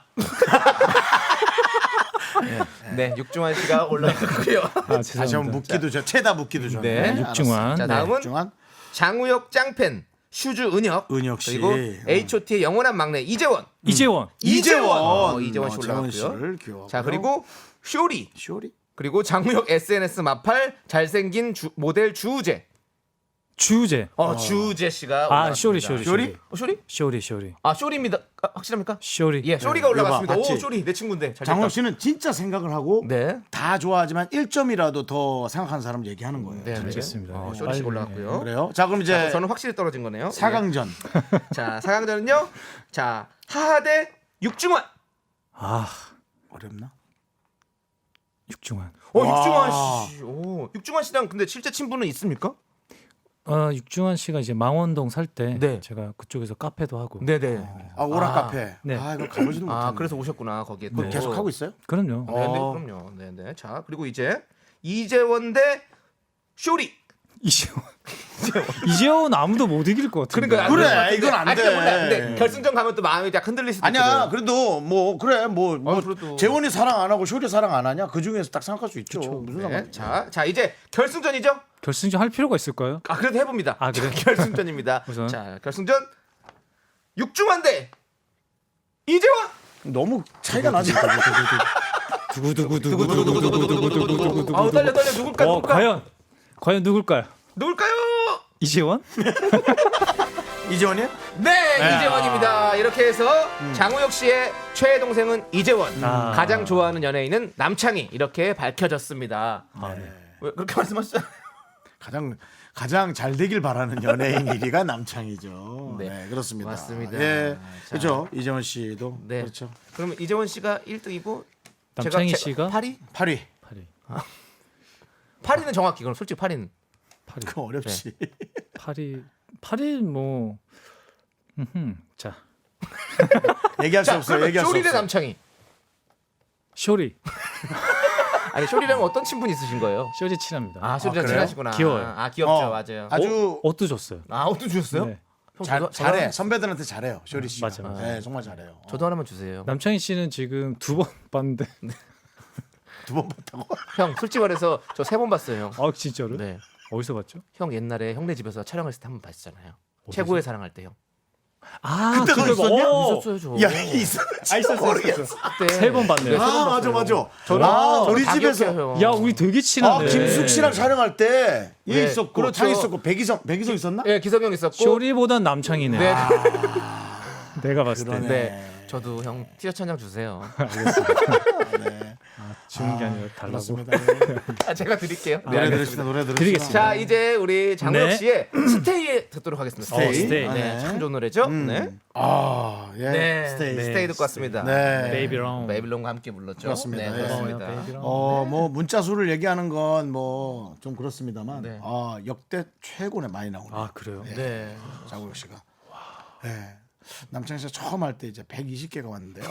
Speaker 1: 네, 육중환 씨가 올라갔고요.
Speaker 2: 다시 한번
Speaker 4: 죄송합니다.
Speaker 2: 묻기도 최다 묻기도 전에.
Speaker 1: 네,
Speaker 4: 육중환.
Speaker 1: 자,
Speaker 4: 네,
Speaker 1: 다음은
Speaker 2: 육중환.
Speaker 1: 장우혁 짱팬 슈즈 은혁,
Speaker 2: 은혁 씨.
Speaker 1: 그리고 H.O.T의 영원한 막내 이재원.
Speaker 4: 이재원.
Speaker 1: 이재원 씨
Speaker 2: 재원
Speaker 1: 올라갔고요.
Speaker 2: 씨를 귀여워.
Speaker 1: 자 그리고 쇼리
Speaker 2: 쇼리.
Speaker 1: 그리고 장우혁 SNS 마팔 잘생긴 모델 주우재.
Speaker 4: 주우재.
Speaker 1: 주우재 씨가
Speaker 4: 아
Speaker 1: 올라갔습니다.
Speaker 4: 쇼리.
Speaker 1: 쇼리? 아 쇼리입니다. 확실합니까?
Speaker 4: 쇼리.
Speaker 1: 예, 쇼리가 올라갔습니다.
Speaker 2: 이거 봐,
Speaker 1: 오
Speaker 2: 봤지?
Speaker 1: 쇼리 내 친구인데. 잘
Speaker 2: 장우혁
Speaker 1: 됐다.
Speaker 2: 씨는 진짜 생각을 하고
Speaker 1: 네.
Speaker 2: 다 좋아하지만 1점이라도 더 생각하는 사람 얘기하는 거예요.
Speaker 1: 네,
Speaker 4: 알겠습니다. 네.
Speaker 1: 쇼리 씨
Speaker 4: 빨리,
Speaker 1: 올라갔고요.
Speaker 2: 그래요? 자, 그럼 이제
Speaker 1: 저는 확실히 떨어진 거네요.
Speaker 2: 4강전.
Speaker 1: 예. 자, 4강전은요. 자, 하하 대 육중환.
Speaker 4: 아
Speaker 2: 어렵나?
Speaker 4: 육중환.
Speaker 1: 육중환 씨. 오, 육중환 씨랑 근데 실제 친분은 있습니까?
Speaker 4: 육중환 씨가 이제 망원동 살 때
Speaker 1: 네.
Speaker 4: 제가 그쪽에서 카페도 하고.
Speaker 1: 네네.
Speaker 2: 오락 카페.
Speaker 4: 네.
Speaker 2: 이거 가보지도 못했네.
Speaker 1: 그래서 오셨구나 거기에.
Speaker 2: 그거
Speaker 1: 또.
Speaker 2: 계속 하고 있어요?
Speaker 4: 그럼요.
Speaker 1: 네네, 그럼요. 네네. 자, 그리고 이제 이재원 대 쇼리.
Speaker 4: 이재원 아무도 못 이길 것 같은데.
Speaker 1: 그러니까
Speaker 2: 그래,
Speaker 1: 안 돼.
Speaker 2: 이건 안
Speaker 1: 아니,
Speaker 2: 돼.
Speaker 1: 몰라. 근데 결승전 가면 또 마음이 약 흔들릴 수도
Speaker 2: 아니야.
Speaker 1: 있거든.
Speaker 2: 그래도 뭐 그래 뭐
Speaker 1: 그래도.
Speaker 2: 재원이 사랑 안 하고 쇼리 사랑 안 하냐? 그 중에서 딱 생각할 수 있죠. 무슨
Speaker 1: 네.
Speaker 2: 상관?
Speaker 1: 자, 이제 결승전이죠?
Speaker 4: 결승전 할 필요가 있을까요?
Speaker 1: 그래도 해봅니다.
Speaker 4: 아, 그래?
Speaker 1: 결승전입니다.
Speaker 4: 우선.
Speaker 1: 자, 결승전 육중환 대 이재원.
Speaker 2: 너무 차이가 나지.
Speaker 4: 두구두구두구두구두구두구두구두구.
Speaker 1: 아우 떨려 누굴까?
Speaker 4: 과연 누굴까요?
Speaker 1: 누굴까요?
Speaker 4: 이재원?
Speaker 2: 이재원이요?
Speaker 1: 네, 이재원입니다. 이렇게 해서 장우혁 씨의 최애 동생은 이재원,
Speaker 4: 아.
Speaker 1: 가장 좋아하는 연예인은 남창희 이렇게 밝혀졌습니다. 왜 그렇게 말씀하시죠?
Speaker 2: 가장 잘 되길 바라는 연예인 1위가 남창이죠.
Speaker 1: 네.
Speaker 2: 네, 그렇습니다.
Speaker 1: 맞습니다.
Speaker 2: 예,
Speaker 1: 자.
Speaker 2: 그렇죠. 이재원 씨도
Speaker 1: 네.
Speaker 2: 그렇죠.
Speaker 1: 그러면 이재원 씨가 1등이고
Speaker 4: 남창희 씨가
Speaker 1: 8위?
Speaker 2: 8위.
Speaker 4: 8위.
Speaker 1: 8위는 정확히 그럼 솔직히 8위는
Speaker 2: 그거 어렵지.
Speaker 4: 8위 뭐 자.
Speaker 2: 얘기할 수 없어요. 얘기할 수
Speaker 1: 쇼리 대
Speaker 2: 없어요.
Speaker 1: 남창희.
Speaker 4: 쇼리.
Speaker 1: 아니 쇼리랑 어떤 친분이 있으신 거예요?
Speaker 4: 쇼리 친합니다.
Speaker 1: 아 쇼리랑
Speaker 2: 그래요?
Speaker 1: 친하시구나.
Speaker 4: 귀여워요.
Speaker 1: 아 귀엽죠, 맞아요.
Speaker 2: 아주
Speaker 4: 옷도 줬어요.
Speaker 1: 옷도 주셨어요?
Speaker 4: 네.
Speaker 1: 형,
Speaker 2: 잘해. 선배들한테 잘해요. 쇼리 씨.
Speaker 4: 맞아.
Speaker 2: 네, 정말 잘해요.
Speaker 1: 저도 하나만 주세요.
Speaker 4: 남창희 씨는 지금 2번 봤는데.
Speaker 2: 2번 봤다고?
Speaker 1: 형 솔직히 말해서 저 3번 봤어요. 형.
Speaker 4: 진짜로?
Speaker 1: 네.
Speaker 4: 어디서 봤죠?
Speaker 1: 형 옛날에 형네 집에서 촬영했을 때 한 번 봤잖아요. 최고의 사랑할 때 형.
Speaker 4: 아,
Speaker 2: 그때도
Speaker 4: 그거-
Speaker 2: 있었냐?
Speaker 4: 어,
Speaker 1: 있었어요 저.
Speaker 2: 야, 있었어. 모르겠어.
Speaker 1: 그때
Speaker 4: 세 번 봤네요.
Speaker 2: 아, 맞아, 맞아.
Speaker 1: 저는
Speaker 2: 우리
Speaker 1: 다
Speaker 2: 집에서
Speaker 1: 기억해요, 형.
Speaker 4: 야, 우리 되게
Speaker 2: 아,
Speaker 4: 친한데.
Speaker 2: 김숙 씨랑 촬영할 때 얘
Speaker 1: 네,
Speaker 2: 있었고,
Speaker 1: 그렇죠.
Speaker 2: 장 있었고, 백이성 있었나?
Speaker 1: 예, 기석형 있었고.
Speaker 4: 쇼리보단 남창이네.
Speaker 1: 네.
Speaker 4: 내가 봤을 때.
Speaker 2: 그러네.
Speaker 1: 네. 저도 형 티셔츠 한 장 주세요.
Speaker 2: 네.
Speaker 4: 주는 게 아니라 달라고.
Speaker 2: 그렇습니다.
Speaker 1: 아, 제가 드릴게요. 네,
Speaker 2: 노래
Speaker 1: 알겠습니다.
Speaker 2: 들으시다, 노래 들으시다.
Speaker 4: 드리겠습니다.
Speaker 1: 자, 이제 우리 장우혁
Speaker 4: 네.
Speaker 1: 씨의 스테이 듣도록 하겠습니다.
Speaker 2: 스테이.
Speaker 4: 스테이.
Speaker 1: 네,
Speaker 2: 네.
Speaker 1: 참 좋은 노래죠. 네.
Speaker 2: 아, 예.
Speaker 1: 네.
Speaker 2: 스테이.
Speaker 1: 스테이 듣고 왔습니다.
Speaker 2: 네.
Speaker 4: 베이비롱.
Speaker 1: 베이빌론과 함께 불렀죠.
Speaker 2: 그렇습니다.
Speaker 1: 네,
Speaker 2: 예.
Speaker 1: 그렇습니다.
Speaker 4: 베이비롱.
Speaker 2: 뭐 문자 수를 얘기하는 건 뭐 좀 그렇습니다만
Speaker 1: 네.
Speaker 2: 역대 최고네 많이 나오네.
Speaker 4: 아, 그래요?
Speaker 1: 네.
Speaker 2: 장우혁 씨가. 네. 남창희 씨가 처음 할 때 이제 120개가 왔는데요.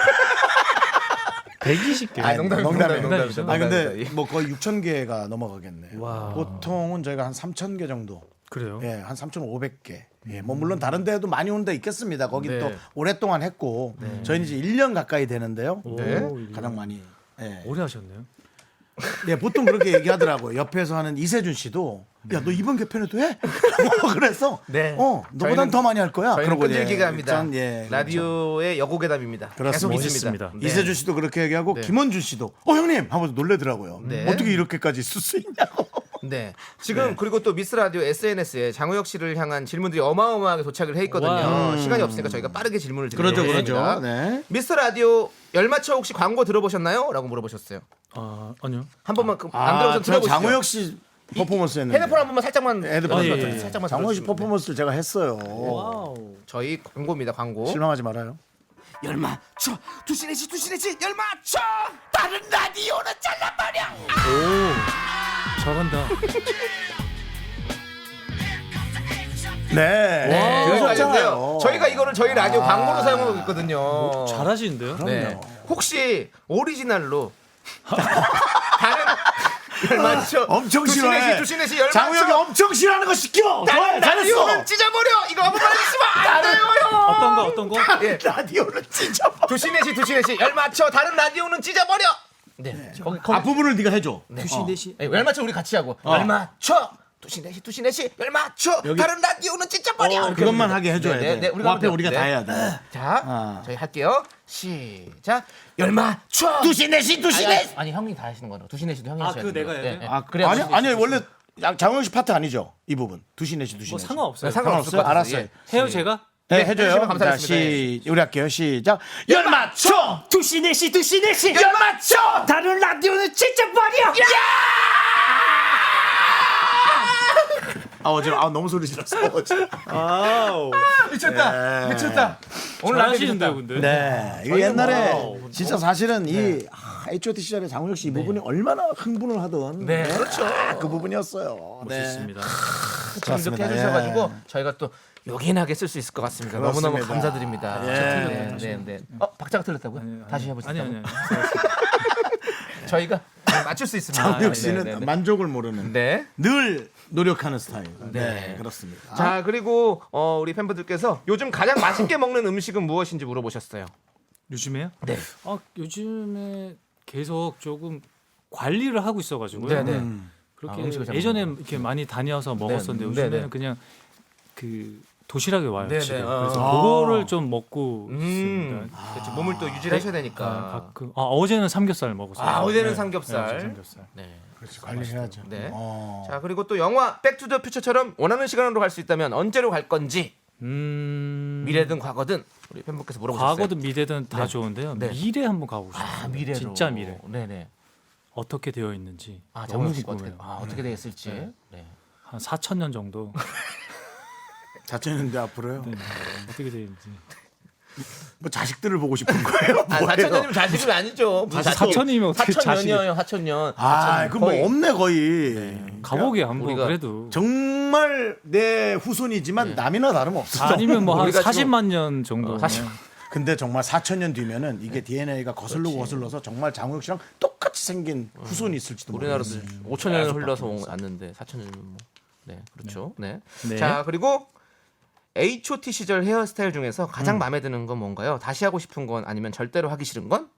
Speaker 4: 120개.
Speaker 1: 아, 농담이죠.
Speaker 4: 농담이죠.
Speaker 2: 아 근데 뭐 거의 6,000개가 넘어가겠네.
Speaker 4: 와.
Speaker 2: 보통은 저희가 한 3,000개 정도.
Speaker 4: 그래요?
Speaker 2: 예, 한 3,500개. 예, 뭐 물론 다른 데도 많이 오는 데 있겠습니다. 거긴
Speaker 1: 네.
Speaker 2: 또 오랫동안 했고 저희는 이제 1년 가까이 되는데요.
Speaker 1: 네.
Speaker 2: 가장 많이. 예.
Speaker 4: 오래 하셨네요.
Speaker 2: 네, 보통 그렇게 얘기하더라고요. 옆에서 하는 이세준 씨도 야, 너 이번 개편에도 해? 그래서
Speaker 1: 네.
Speaker 2: 너보단
Speaker 1: 저희는-
Speaker 2: 더 많이 할 거야.
Speaker 1: 저희는
Speaker 2: 그러고
Speaker 1: 끈질기게 합니다.
Speaker 2: 전, 예, 그렇죠.
Speaker 1: 라디오의 여고괴담입니다. 계속
Speaker 2: 그렇습니다.
Speaker 1: 있습니다.
Speaker 4: 멋있습니다.
Speaker 1: 네.
Speaker 2: 이세준 씨도 그렇게 얘기하고
Speaker 1: 네.
Speaker 2: 김원준 씨도 형님 하면서 놀래더라고요.
Speaker 1: 네.
Speaker 2: 어떻게 이렇게까지 쓸 수 있냐고.
Speaker 1: 네. 지금 그리고 또 미스 라디오 SNS에 장우혁 씨를 향한 질문들이 어마어마하게 도착을 해 있거든요.
Speaker 4: 와.
Speaker 1: 시간이 없으니까 저희가 빠르게 질문을
Speaker 2: 그렇죠,
Speaker 1: 드리겠습니다.
Speaker 2: 그렇죠. 네.
Speaker 1: 미스 라디오 열맞춰 혹시 광고 들어보셨나요? 라고 물어보셨어요.
Speaker 4: 아, 아니요.
Speaker 1: 한 번만 안 들어보셨으면
Speaker 2: 저
Speaker 1: 들어보시죠.
Speaker 2: 장우혁 씨 퍼포먼스 했는데.
Speaker 1: 핸드폰 한 번만 살짝만
Speaker 2: 핸드폰
Speaker 4: 아, 예, 예.
Speaker 1: 살짝만
Speaker 2: 장우혁 씨
Speaker 1: 들어주시면
Speaker 2: 퍼포먼스를 제가 했어요.
Speaker 4: 와우.
Speaker 1: 저희 광고입니다. 광고.
Speaker 2: 실망하지 말아요.
Speaker 1: 열맞춰 두시네시 열맞춰 다른 라디오는 잘라버려.
Speaker 4: 잘한다.
Speaker 2: 네.
Speaker 1: 네,
Speaker 2: 들으셨잖아요.
Speaker 1: 여기까지인데요. 저희가 이거를 저희 라디오 광고로 사용하고 있거든요.
Speaker 4: 잘하시는데요?
Speaker 1: 네. 혹시 오리지널로 다른 열맞춰
Speaker 2: 엄청 싫어해.
Speaker 1: 두시네시 열맞춰
Speaker 2: 장우혁이 엄청 싫어하는 거 시켜.
Speaker 1: 다른
Speaker 2: 잘했어.
Speaker 1: 라디오는 찢어버려. 이거 한번 말해주시면 안 돼요, 형.
Speaker 4: 어떤 거?
Speaker 1: 예.
Speaker 2: 라디오를 찢어버.
Speaker 1: 두시네시 열맞춰 다른 라디오는 찢어버려. 네. 거기
Speaker 2: 앞부분을 네가 해줘.
Speaker 1: 두시네시. 열맞춰 우리 같이 하고. 열맞춰. 두시네시 열맞춰
Speaker 2: 여기-
Speaker 1: 다른 라디오는 찢어버려. 이렇게
Speaker 2: 그것만
Speaker 1: 해주세요.
Speaker 2: 하게 해줘야
Speaker 1: 네,
Speaker 2: 돼.
Speaker 1: 네, 네,
Speaker 2: 그 앞에
Speaker 1: 하면
Speaker 2: 우리가
Speaker 1: 돼요.
Speaker 2: 다
Speaker 1: 네.
Speaker 2: 해야 돼.
Speaker 1: 자, 저희 할게요. 시작. 열맞춰.
Speaker 2: 두시네시
Speaker 1: 아니 형이 다 하시는 거로. 두시네시도 형이 하셔야 돼요.
Speaker 4: 내가 해야 돼요?
Speaker 2: 아,
Speaker 1: 그래야
Speaker 2: 아니
Speaker 1: 두시네시,
Speaker 2: 아니
Speaker 1: 두시네시.
Speaker 2: 원래 장우혁 씨 파트 아니죠? 이 부분. 두시네시.
Speaker 4: 뭐 상관없어요.
Speaker 1: 상관없을 것 같아요.
Speaker 2: 알았어요.
Speaker 1: 예.
Speaker 4: 해요 제가?
Speaker 2: 네,
Speaker 1: 네,
Speaker 2: 해줘요.
Speaker 1: 해주시면
Speaker 2: 자,
Speaker 1: 감사하겠습니다.
Speaker 2: 우리 할게요. 시작. 열맞춰.
Speaker 4: 두시네시
Speaker 2: 열맞춰.
Speaker 4: 다른 라디오는 찢어버려.
Speaker 2: 어제 너무 소리 질렀어.
Speaker 4: 아우.
Speaker 1: 미쳤다.
Speaker 2: 네.
Speaker 1: 미쳤다. 오늘 라디오
Speaker 4: 잘하시는데요,
Speaker 1: 미쳤다.
Speaker 4: 근데.
Speaker 2: 네, 이거 옛날에 진짜 사실은 이 H.O.T 시절에 장우혁 씨 이 부분이 얼마나 흥분을 하던
Speaker 1: 네, 그렇죠.
Speaker 2: 그 부분이었어요.
Speaker 4: 멋있습니다.
Speaker 1: 참 이렇게 해주셔가지고 저희가 또 요긴하게 쓸 수 있을 것 같습니다. 너무너무
Speaker 2: 그렇습니다.
Speaker 1: 감사드립니다.
Speaker 2: 예.
Speaker 1: 네. 박자가 틀렸다고요? 다시 해보시죠.
Speaker 4: 아니.
Speaker 1: 저희가 맞출 수 있습니다.
Speaker 2: 장우혁 씨는
Speaker 1: 네.
Speaker 2: 만족을 모르는
Speaker 1: 네.
Speaker 2: 늘 노력하는 스타일. 네,
Speaker 1: 네.
Speaker 2: 그렇습니다.
Speaker 1: 자 그리고 우리 팬분들께서 요즘 가장 맛있게 먹는 음식은 무엇인지 물어보셨어요.
Speaker 4: 요즘에요?
Speaker 1: 네.
Speaker 4: 요즘에 계속 조금 관리를 하고 있어가지고요.
Speaker 1: 네네.
Speaker 4: 그렇게
Speaker 1: 음식을 잘
Speaker 4: 예전에
Speaker 1: 먹는
Speaker 4: 이렇게 많이 다녀서 먹었었는데
Speaker 1: 네,
Speaker 4: 요즘에는
Speaker 1: 네, 네.
Speaker 4: 그냥 그 도시락이 와요.
Speaker 1: 네,
Speaker 4: 집에.
Speaker 1: 네.
Speaker 4: 그래서
Speaker 2: 아.
Speaker 4: 그거를 좀 먹고 있습니다.
Speaker 1: 그렇죠. 몸을 또 유지를 하셔야 되니까.
Speaker 4: 가끔 어제는 삼겹살 먹었어요.
Speaker 1: 어제는
Speaker 4: 네.
Speaker 1: 삼겹살.
Speaker 4: 네, 어제 삼겹살.
Speaker 1: 네.
Speaker 2: 그렇지, 관리해야죠.
Speaker 1: 네.
Speaker 2: 어.
Speaker 1: 자 그리고 또 영화 백투더퓨처처럼 원하는 시간으로 갈 수 있다면 언제로 갈 건지 미래든 과거든 우리 팬분께서 물어보셨어요.
Speaker 4: 과거든 미래든 다
Speaker 1: 네.
Speaker 4: 좋은데요.
Speaker 1: 네.
Speaker 4: 미래 한번 가고 싶어요.
Speaker 1: 아 미래로.
Speaker 4: 진짜 미래.
Speaker 1: 네네.
Speaker 4: 어떻게 되어 있는지
Speaker 1: 아
Speaker 4: 너무
Speaker 1: 장우혁 씨가
Speaker 4: 궁금해요.
Speaker 1: 어떻게 되겠을지.
Speaker 4: 네.
Speaker 1: 네.
Speaker 4: 한 4,000년 정도
Speaker 2: 자체는데 앞으로요.
Speaker 4: 네. 어떻게 되어 있는지.
Speaker 2: 뭐 자식들을 보고 싶은 거예요.
Speaker 1: 아
Speaker 2: 뭐예요?
Speaker 1: 4천년이면 자식이 아니죠. 무슨 자식?
Speaker 4: 4천이면 어떻게 자식이?
Speaker 1: 4천년이요. 4천년.
Speaker 2: 아, 그럼 뭐 없네 거의.
Speaker 4: 가보게 한번
Speaker 1: 우리가
Speaker 4: 그래도.
Speaker 2: 정말 내 후손이지만 남이나 다름없어.
Speaker 4: 아니면 뭐 한
Speaker 1: 우리가 지금-
Speaker 4: 40만 년 정도.
Speaker 1: 40.
Speaker 2: 근데 정말 4,000년 뒤면은 이게 DNA가 거슬러서 정말 장우혁 씨랑 똑같이 생긴 후손이 있을지도
Speaker 1: 우리나라도
Speaker 2: 모르겠어요.
Speaker 1: 5천년을 흘러서 왔는데 4천년이면 뭐. 네, 그렇죠. 네.
Speaker 4: 네.
Speaker 1: 자, 그리고 H.O.T 시절 헤어스타일 중에서 가장 마음에 드는 건 뭔가요? 다시 하고 싶은 건 아니면 절대로 하기 싫은 건?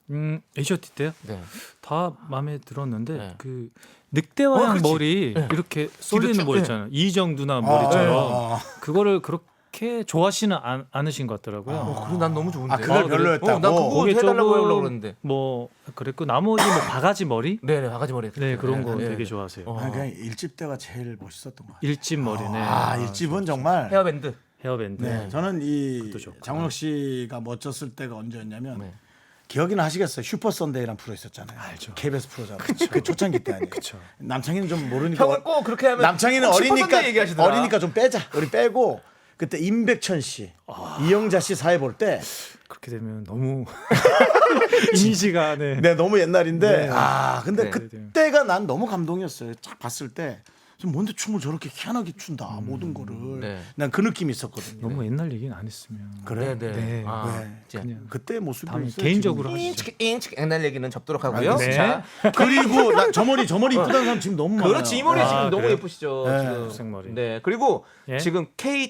Speaker 4: H.O.T 때요?
Speaker 1: 네.
Speaker 4: 다 마음에 들었는데
Speaker 1: 네.
Speaker 4: 그 늑대와양
Speaker 1: 그렇지.
Speaker 4: 머리 이렇게 쏠리는
Speaker 1: 뒤로 쭉,
Speaker 4: 머리 있잖아요. 이정 누나 머리처럼
Speaker 2: 아.
Speaker 4: 그거를 그렇게 좋아하시는 않으신 것 같더라고요.
Speaker 1: 그래 난 너무 좋은데.
Speaker 2: 아, 그걸 별로였다고?
Speaker 1: 난 그거
Speaker 4: 그게
Speaker 1: 해달라고
Speaker 4: 조금
Speaker 1: 하려고 그러는데.
Speaker 4: 뭐 그랬고 나머지 뭐 바가지 머리
Speaker 1: 네네 바가지 머리.
Speaker 4: 네 그런 거
Speaker 1: 네.
Speaker 4: 되게 좋아하세요.
Speaker 2: 아, 그냥 일집 때가 제일 멋있었던 것 같아요.
Speaker 4: 일집 머리네.
Speaker 2: 아, 일집은 정말.
Speaker 1: 헤어밴드.
Speaker 4: 헤어밴드.
Speaker 2: 네, 저는 이
Speaker 4: 그것도 좋고.
Speaker 2: 장우혁 씨가 멋졌을 때가 언제였냐면
Speaker 1: 네.
Speaker 2: 기억이나 하시겠어요? 슈퍼 선데이라는 프로 있었잖아요.
Speaker 4: 알죠.
Speaker 2: KBS 프로잖아요. 그 초창기 때 아니에요.
Speaker 4: 그쵸.
Speaker 2: 남창희는 좀 모르니까.
Speaker 1: 형은 꼭 그렇게 하면
Speaker 2: 남창희는
Speaker 1: 꼭 슈퍼
Speaker 2: 어리니까
Speaker 1: 선데이 얘기하시더라.
Speaker 2: 어리니까 좀 빼자. 우리 빼고 그때 임백천 씨, 이영자 씨 사회 볼 때
Speaker 4: 그렇게 되면 너무 이미지가 네.
Speaker 2: 네, 너무 옛날인데
Speaker 4: 네.
Speaker 2: 아 근데
Speaker 1: 네.
Speaker 2: 그때가 난 너무 감동이었어요. 딱 봤을 때 좀 뭔데 춤을 저렇게 희한하게 춘다 모든 거를
Speaker 1: 네.
Speaker 2: 난 그 느낌이 있었거든요.
Speaker 4: 너무 옛날 얘기는 안 했으면
Speaker 2: 그래?
Speaker 1: 네네.
Speaker 4: 네.
Speaker 1: 아,
Speaker 2: 네.
Speaker 1: 이제
Speaker 4: 그냥
Speaker 2: 그때 모습이
Speaker 4: 다음에
Speaker 2: 있어요,
Speaker 4: 개인적으로
Speaker 2: 지금.
Speaker 4: 하시죠.
Speaker 1: 인치 옛날 얘기는 접도록 하고요.
Speaker 4: 네.
Speaker 1: 자,
Speaker 2: 그리고 나 저 머리 이쁘다는 사람 지금 너무 많아요.
Speaker 1: 그렇지 이 머리 지금
Speaker 4: 아,
Speaker 1: 너무
Speaker 4: 그래요?
Speaker 1: 예쁘시죠.
Speaker 2: 네.
Speaker 1: 지금.
Speaker 4: 색머리.
Speaker 1: 네. 그리고
Speaker 4: 예?
Speaker 1: 지금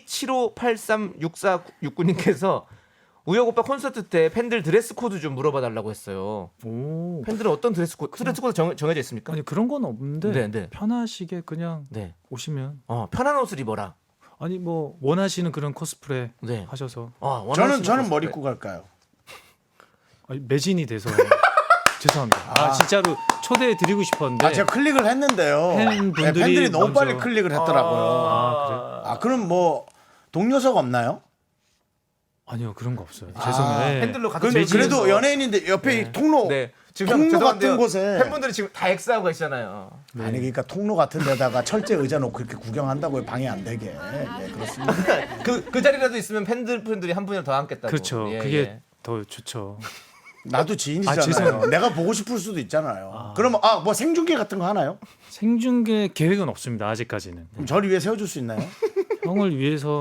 Speaker 1: K75836469님께서 우혁 오빠 콘서트 때 팬들 드레스 코드 좀 물어봐 달라고 했어요.
Speaker 4: 오.
Speaker 1: 팬들은 어떤 드레스 코드 정해져 있습니까?
Speaker 4: 아니 그런 건 없는데
Speaker 1: 네, 네.
Speaker 4: 편하시게 그냥
Speaker 1: 네.
Speaker 4: 오시면
Speaker 1: 편한 옷을 입어라.
Speaker 4: 아니 뭐 원하시는 그런 코스프레
Speaker 1: 네.
Speaker 4: 하셔서
Speaker 2: 저는 머리 입고 갈까요?
Speaker 4: 아니, 매진이 돼서 죄송합니다. 진짜로 초대해 드리고 싶었는데
Speaker 2: 아 제가 클릭을 했는데요.
Speaker 4: 팬분들이
Speaker 2: 팬들이 너무
Speaker 4: 먼저-
Speaker 2: 빨리 클릭을 했더라고요.
Speaker 4: 아, 그래요?
Speaker 2: 그럼 뭐 동료석 없나요?
Speaker 4: 아니요 그런 거 없어요. 죄송해요. 네.
Speaker 1: 팬들로 가득
Speaker 2: 근데
Speaker 1: 매진해서.
Speaker 2: 그래도 연예인인데 옆에 통로
Speaker 1: 네. 지금
Speaker 2: 통로
Speaker 1: 죄송한데요.
Speaker 2: 같은 곳에
Speaker 1: 팬분들이 지금 다 X하고 계시잖아요.
Speaker 2: 아니 그러니까 통로 같은 데다가 철제 의자 놓고 이렇게 구경한다고요. 방해 안 되게. 네, 그렇습니다.
Speaker 1: 그 자리라도 있으면 팬들이 한 분이라도 더 앉겠다고.
Speaker 4: 그렇죠.
Speaker 1: 예,
Speaker 4: 그게
Speaker 1: 예.
Speaker 4: 더 좋죠.
Speaker 2: 나도 지인이잖아요.
Speaker 4: 죄송해요.
Speaker 2: 내가 보고 싶을 수도 있잖아요. 그러면 뭐 생중계 같은 거 하나요?
Speaker 4: 생중계 계획은 없습니다. 아직까지는.
Speaker 2: 그럼 저를 위해 세워줄 수 있나요?
Speaker 4: 형을 위해서는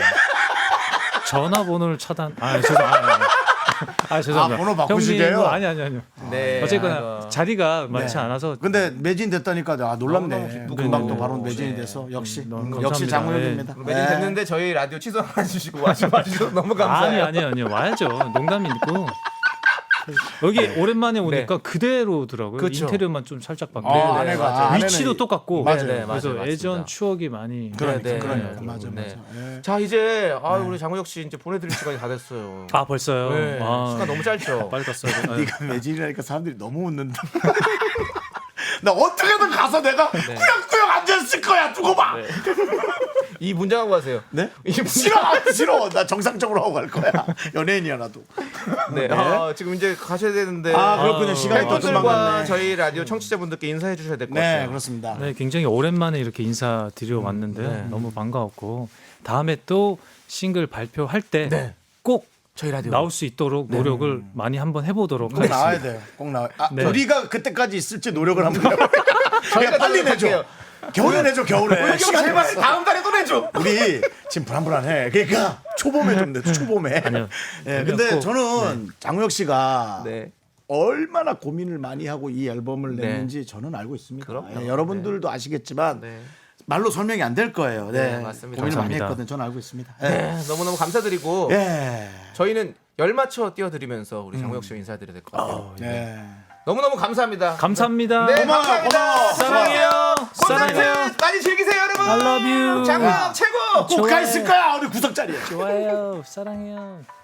Speaker 4: 전화번호를 차단. 죄송합니다. 죄송합니다.
Speaker 2: 번호 바꾸시게요?
Speaker 4: 형님, 아니요.
Speaker 1: 네.
Speaker 4: 어쨌거나
Speaker 1: 아이고.
Speaker 4: 자리가 많지 않아서
Speaker 2: 근데 매진 됐다니까 놀랍네.
Speaker 1: 너무
Speaker 2: 금방 또
Speaker 1: 기쁘고.
Speaker 2: 바로 매진이
Speaker 1: 네.
Speaker 2: 돼서 역시
Speaker 4: 너무
Speaker 2: 역시
Speaker 4: 감사합니다.
Speaker 2: 장우혁입니다.
Speaker 1: 매진 됐는데 저희 라디오 취소 안 해주시고 와주셔서 너무 감사해요.
Speaker 4: 아니요. 와야죠. 농담이고. 여기 오랜만에 오니까 그대로더라고요.
Speaker 1: 그쵸.
Speaker 4: 인테리어만 좀 살짝 바뀌고
Speaker 2: 아내가
Speaker 4: 위치도 똑같고
Speaker 2: 맞아요.
Speaker 1: 네,
Speaker 4: 그래서
Speaker 1: 맞아요.
Speaker 4: 예전
Speaker 1: 맞습니다.
Speaker 4: 추억이 많이
Speaker 2: 그러니까
Speaker 1: 네.
Speaker 2: 맞아.
Speaker 1: 네.
Speaker 2: 예.
Speaker 1: 자 이제 우리 장우혁 씨 이제 보내드릴 시간이 다 됐어요.
Speaker 4: 벌써요.
Speaker 1: 네. 시간 너무 짧죠.
Speaker 4: 빨리 갔어요.
Speaker 2: 네가 매진이라니까 사람들이 너무 웃는다. 나 어떻게든 가서 내가 꾸역꾸역 앉아있을 거야. 두고 봐.
Speaker 1: 이 문장하고 가세요.
Speaker 2: 네?
Speaker 1: 이
Speaker 2: 싫어. 나 정상적으로 하고 갈 거야. 연예인이야 나도.
Speaker 1: 네. 지금 이제 가셔야 되는데.
Speaker 2: 그렇군요. 시간이 또 금방
Speaker 1: 팬분들과
Speaker 2: 갔네.
Speaker 1: 저희 라디오 청취자분들께 인사해 주셔야 될 것
Speaker 2: 네,
Speaker 1: 같아요.
Speaker 2: 그렇습니다.
Speaker 4: 네, 굉장히 오랜만에 이렇게 인사드려 왔는데
Speaker 1: 네.
Speaker 4: 너무 반가웠고 다음에 또 싱글 발표할 때 꼭
Speaker 1: 네. 저희 라디오
Speaker 4: 나올 수 있도록 노력을 많이 한번 해보도록
Speaker 2: 꼭 나와야
Speaker 4: 하겠습니다.
Speaker 2: 돼요. 꼭 나와.
Speaker 4: 네.
Speaker 2: 우리가 그때까지 있을지 노력을 한번 해볼게요. 저희가 빨리 내줘. 겨울에 내줘. 겨울에. 시간
Speaker 1: 제발
Speaker 2: 제발.
Speaker 1: 다음 달에 또 내줘.
Speaker 2: 우리 지금 불안해. 그러니까 초봄에 좀 내줘. 초봄에.
Speaker 4: 아니요.
Speaker 2: 예, 근데
Speaker 4: 꼭,
Speaker 2: 저는 장우혁 씨가
Speaker 1: 네.
Speaker 2: 얼마나 고민을 많이 하고 이 앨범을
Speaker 1: 네.
Speaker 2: 냈는지 저는 알고 있습니다.
Speaker 1: 그럼요.
Speaker 2: 예, 여러분들도 아시겠지만
Speaker 1: 네.
Speaker 2: 말로 설명이 안 될 거예요. 네,
Speaker 1: 네, 맞습니다.
Speaker 2: 고민을 많이
Speaker 4: 감사합니다.
Speaker 2: 했거든. 저는 알고 있습니다. 예.
Speaker 1: 네, 너무너무 감사드리고
Speaker 2: 예.
Speaker 1: 저희는 열 맞춰 띄워드리면서 우리 장우혁 씨 인사드려야 될 것 같아요.
Speaker 2: 예.
Speaker 1: 너무너무 감사합니다.
Speaker 4: 감사합니다.
Speaker 1: 네,
Speaker 2: 고마워,
Speaker 1: 감사합니다.
Speaker 2: 고마워.
Speaker 4: 사랑해요.
Speaker 1: 콘서트
Speaker 4: 사랑해요.
Speaker 1: 많이 즐기세요, 여러분.
Speaker 4: I love you.
Speaker 1: 장우혁 최고.
Speaker 2: 꼭 가 있을 거야. 우리 구석자리에.
Speaker 4: 좋아요. 사랑해요.